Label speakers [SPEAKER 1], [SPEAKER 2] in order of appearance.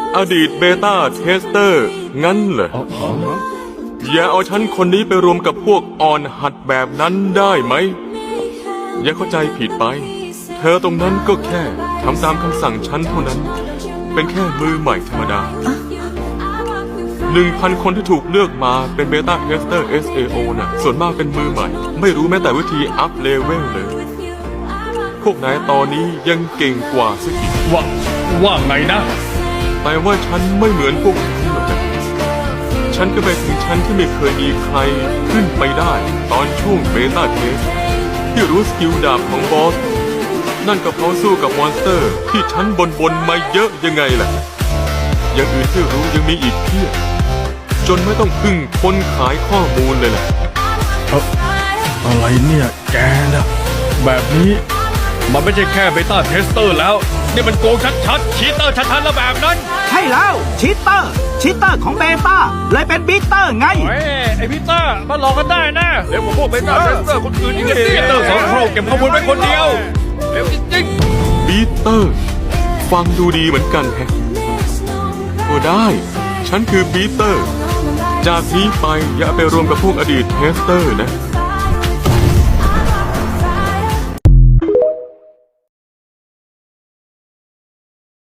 [SPEAKER 1] อดีตเบต้าเทสเตอร์งั้นเหรออย่าเอาฉันคนนี้ไปรวมกับพวกอ่อนหัดแบบนั้นได้ไหมอย่าเข้าใจผิดไปเธอตรงนั้นก็แค่ทำตามคำสั่งฉันเท่านั้นเป็นแค่มือใหม่ธรรมดา 1,000 คนที่ถูกเลือกมาเป็นเบต้าเทสเตอร์ SAO น่ะส่วนมากเป็นมือใหม่ไม่รู้แม้แต่วิธีอัพเลเวลเลยพวกนายตอนนี้ยังเก่งกว่าสักอีก
[SPEAKER 2] ว่าไงนะ
[SPEAKER 1] แต่ว่าฉันไม่เหมือนพวกคุณหรอกนะฉันก็ไปถึงชั้นที่ไม่เคยมีใครขึ้นไปได้ตอนช่วงเบต้าเทสที่รู้สกิลดาบของบอสนั่นก็เพราะสู้กับมอนสเตอร์ที่ฉันบนมาเยอะยังไงล่ะอย่างอื่นที่รู้ยังมีอีกเพียบจนไม่ต้องพึ่งคนขายข้อมูลเลยล่ะ
[SPEAKER 2] อะไรเนี่ยแกนะแบบนี้มันไม่ใช่แค่เบต้าเทสเตอร์แล้วนี่มันโกงชัดๆชีตเตอร์ชัดๆแล้วแบบนั้น
[SPEAKER 3] ใช่แล้วชีตเตอร์ของเบต้าเลยเป็นบีเตอร์ไง
[SPEAKER 2] ไอ้บีเตอร์มาหลอกกันได้นะเดี๋ยวผมพวกเบต้าเทสเตอร์คนอื่นอีกบีเตอร์2 โครงเก็บข้อมูลไว้คนเดียวเร็วจริง
[SPEAKER 1] ๆบีเตอร์ฟังดูดีเหมือนกันแฮะก็ได้ฉันคือบีเตอร์จากนี้ไปอย่าไปรวมกับพวกอดีตเทสเตอร์นะ